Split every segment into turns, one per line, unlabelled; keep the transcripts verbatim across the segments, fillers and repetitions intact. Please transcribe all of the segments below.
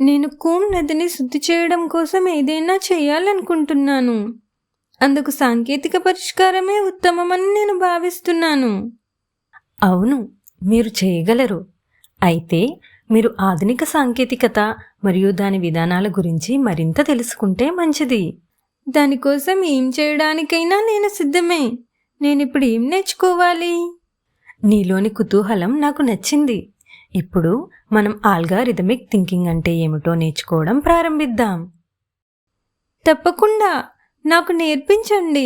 నేను కూమ్ నదిని శుద్ధి చేయడం కోసం ఏదైనా చేయాలనుకుంటున్నాను. అందుకు సాంకేతిక పరిష్కారమే ఉత్తమమని నేను భావిస్తున్నాను.
అవును, మీరు చేయగలరు. అయితే మీరు ఆధునిక సాంకేతికత మరియు దాని విధానాల గురించి మరింత తెలుసుకుంటే మంచిది.
దానికోసం ఏం చేయడానికైనా నేను సిద్ధమే. నేనిప్పుడు ఏం నేర్చుకోవాలి?
నీలోని కుతూహలం నాకు నచ్చింది. ఇప్పుడు మనం ఆల్గారిథమిక్ థింకింగ్ అంటే ఏమిటో నేర్చుకోవడం ప్రారంభిద్దాం.
తప్పకుండా, నాకు నేర్పించండి.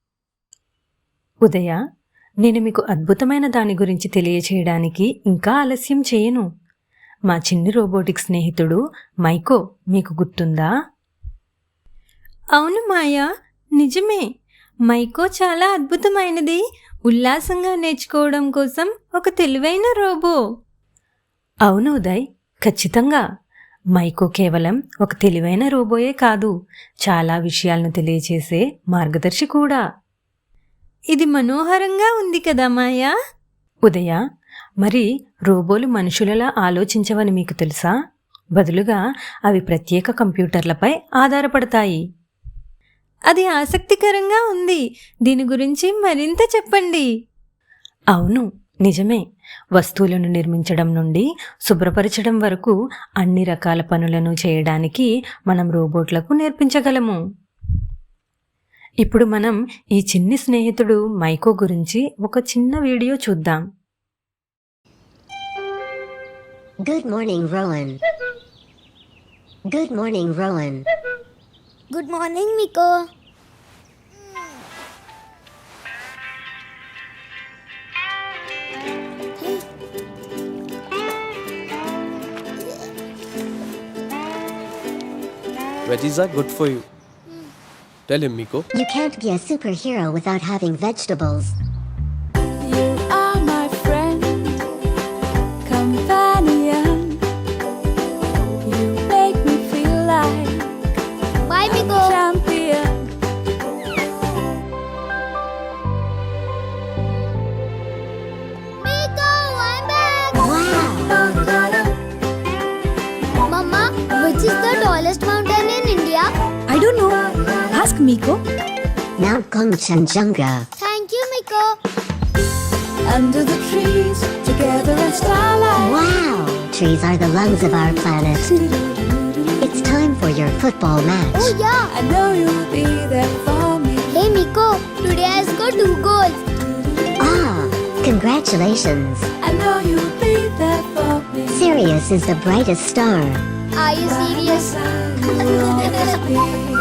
ఉదయ, నేను మీకు అద్భుతమైన దాని గురించి తెలియచేయడానికి ఇంకా ఆలస్యం చేయను. మా చిన్ని రోబోటిక్ స్నేహితుడు మైకో మీకు గుర్తుందా?
అవును మాయా, నిజమే. మైకో చాలా అద్భుతమైనది. ఉల్లాసంగా నేర్చుకోవడం కోసం ఒక తెలివైన రోబో.
అవును ఉదయ్, ఖచ్చితంగా. మైకో కేవలం ఒక తెలివైన రోబోయే కాదు, చాలా విషయాలను తెలియచేసే మార్గదర్శి కూడా.
ఇది మనోహరంగా ఉంది కదా మాయా?
ఉదయ, మరి రోబోలు మనుషులలా ఆలోచించవని మీకు తెలుసా? బదులుగా అవి ప్రత్యేక కంప్యూటర్లపై ఆధారపడతాయి.
అది ఆసక్తికరంగా ఉంది. దీని గురించి మరింత చెప్పండి.
అవును, నిజమే. వస్తువులను నిర్మించడం నుండి శుభ్రపరచడం వరకు అన్ని రకాల పనులను చేయడానికి మనం రోబోట్లకు నేర్పించగలము. ఇప్పుడు మనం ఈ చిన్ని స్నేహితుడు మైకో గురించి ఒక చిన్న వీడియో చూద్దాం.
Good morning Rohan. Good morning Rohan.
Good morning Miko.
Veggies are good for you. Tell him, Miko.
You can't be a superhero without having vegetables.
You are my friend, companion. You make me feel like
Bye Miko.
a champion.
Miko, I'm back.
Wow!
Mama, which is the tallest mountain in India?
I don't know. Ask Miko.
Mount Kongchenjunga.
Thank you Miko.
Under the trees, together in starlight.
Wow! Trees are the lungs of our planet. It's time for your football match.
Oh yeah.
I know you'll be there for me.
Hey Miko, today I scored two goals.
Ah, congratulations.
I know you'll be there for me.
Sirius is the brightest star.
Are you serious?
You'll always be.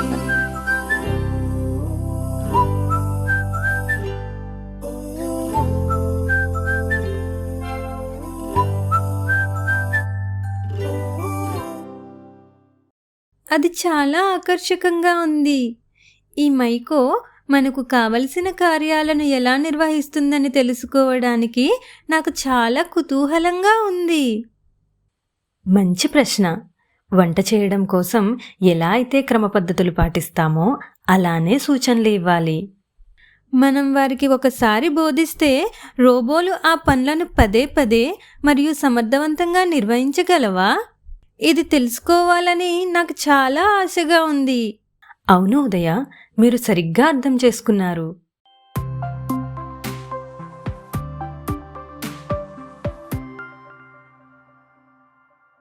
అది చాలా ఆకర్షకంగా ఉంది. ఈ మైకో మనకు కావలసిన కార్యాలను ఎలా నిర్వహిస్తుందని తెలుసుకోవడానికి నాకు చాలా కుతూహలంగా ఉంది.
మంచి ప్రశ్న. వంట చేయడం కోసం ఎలా అయితే క్రమపద్ధతులు పాటిస్తామో అలానే సూచనలు ఇవ్వాలి.
మనం వారికి ఒకసారి బోధిస్తే రోబోలు ఆ పనులను పదే పదే మరియు సమర్థవంతంగా నిర్వహించగలవా? ఇది తెలుసుకోవాలని నాకు చాలా ఆశగా ఉంది.
అవును ఉదయ, మీరు సరిగ్గా అర్థం చేసుకున్నారు.